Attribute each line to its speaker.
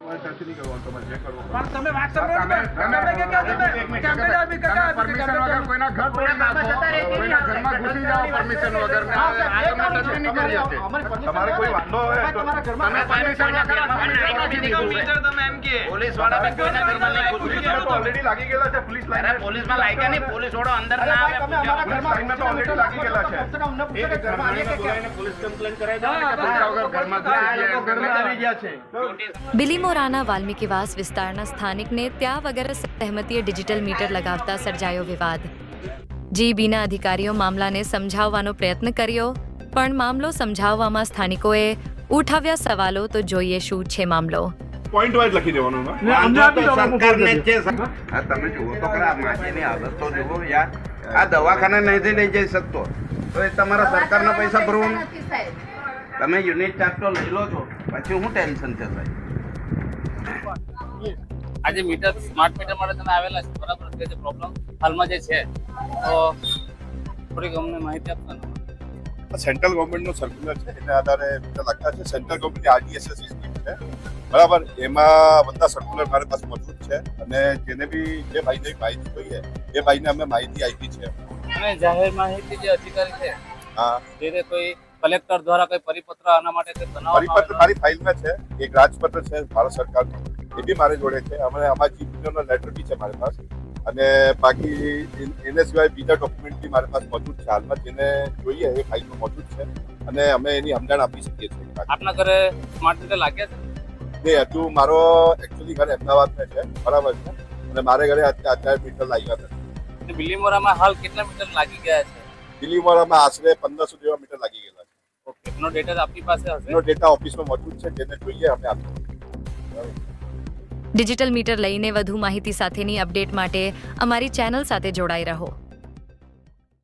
Speaker 1: Touch નહીં કરવાનું, તમારે જે કરવું હોય.
Speaker 2: પણ તમે વાત સાંભળો ને, તમે કે કેમેરા બી કાકા
Speaker 1: પરમિશન વગર કોઈના ઘર તોડી નાખો, કોઈના ઘરમાં ઘૂસી જાઓ પરમિશન વગર ને આ તમને ટચ નહીં કરી શકે. તમારે કોઈ વાંધો હોય તો તમે પરમિશન વગર
Speaker 3: તમે એમ કે પોલીસ વાળા બી કોઈના ઘરમાં નહીં ઘૂસી જાય.
Speaker 1: તો ઓલરેડી લાગી ગયેલા છે પોલીસ લાઈન.
Speaker 3: અરે પોલીસમાં લાગ્યા નહીં, પોલીસ વાળો અંદર ના આવે.
Speaker 1: લાઈનમાં તો ઓલરેડી લાગી ગયેલા છે. પોલીસ કમ્પ્લેન કરાવી દો કે પૈસા વગર ઘરમાં ઘૂસી ગયા છે.
Speaker 4: બિલીમોરાના વાલ્મીકીવાસ વિસ્તારના સ્થાનિકને ત્યાં વગર સહેમતીએ ડિજિટલ મીટર લગાવતા સર્જાયો વિવાદ. જીબીના અધિકારીઓ મામલાને સમજાવવાનો પ્રયત્ન કર્યો, પણ મામલો સમજાવવામાં સ્થાનિકોએ ઉઠાવ્યા સવાલો. તો જોઈએ શું છે મામલો.
Speaker 1: પોઈન્ટ વાઇઝ લખી દેવાનું ને
Speaker 3: સરકારને જ છે. આ તમે જુઓ તો ખરા, માજીની હાલત તો જુઓ યાર. આ દવાખાને નહીં લઈ જઈ શકતો તો એ તમારા સરકારના પૈસા ભરવાનું. તમે યુનિટ ચાર્જ તો લઈ લો છો, પછી શું ટેન્શન છે સાહેબ?
Speaker 5: આજે મીટર સ્માર્ટ મીટર માટે તમે આવેલા છે, બરાબર છે? જે પ્રોબ્લેમ હાલમાં જે છે તો થોડીક અમને માહિતી આપશો ને?
Speaker 6: સેન્ટ્રલ ગવર્મેન્ટનો સર્ક્યુલર છે, એને આધારે મીટર લાગતા છે. સેન્ટ્રલ ગવર્મેન્ટની આરડીએસએસ સ્કીમ છે, બરાબર. એમાં બધા સર્ક્યુલર મારી પાસે મોજૂદ છે, અને જેને બી જે ભાઈને માહિતી જોઈએ એ ભાઈને અમે માહિતી આપી છે.
Speaker 5: અને જાહેર માહિતી જે અધિકારી છે,
Speaker 6: હા,
Speaker 5: જે કોઈ કલેક્ટર દ્વારા કોઈ પરિપત્ર આના માટે કંઈ બનાવવામાં
Speaker 6: પરિપત્ર મારી ફાઇલમાં છે. એક રાજપત્ર છે ભારત સરકારનો, એ બી મારી જોડે છે. અમે અમારા ચીફ મિનિસ્ટરનો લેટર બી છે મારી પાસે, અને બાકી એને સિવાય બીજા ડોક્યુમેન્ટ બી મારી પાસે મોજૂદ છે હાલમાં, જેને જોઈએ એ ફાઇલમાં મોજૂદ છે, અને અમે એની સમજણ આપી શકીએ છીએ.
Speaker 5: આપના ઘરે સ્માર્ટ મીટર લાગ્યા છે?
Speaker 6: નહીં, હજુ મારો એકચ્યુઅલી ઘર અમદાવાદમાં છે, બરાબર છે, અને મારે ઘરે અત્યારે મીટર લાગ્યા નથી.
Speaker 5: બિલીમોરામાં હાલ કેટલા મીટર લાગી ગયા છે?
Speaker 6: દિલ્હીમાં આશરે 1500 જેવા મીટર લાગી ગયેલા છે.
Speaker 5: ઓકે, એનો ડેટા આપની પાસે હશે?
Speaker 6: એનો ડેટા ઓફિસમાં મોજૂદ છે, જેને જોઈએ અમે આપીએ.
Speaker 4: ડિજિટલ મીટર લઈને વધુ માહિતી સાથેની અપડેટ માટે અમારી ચેનલ સાથે જોડાઈ રહો.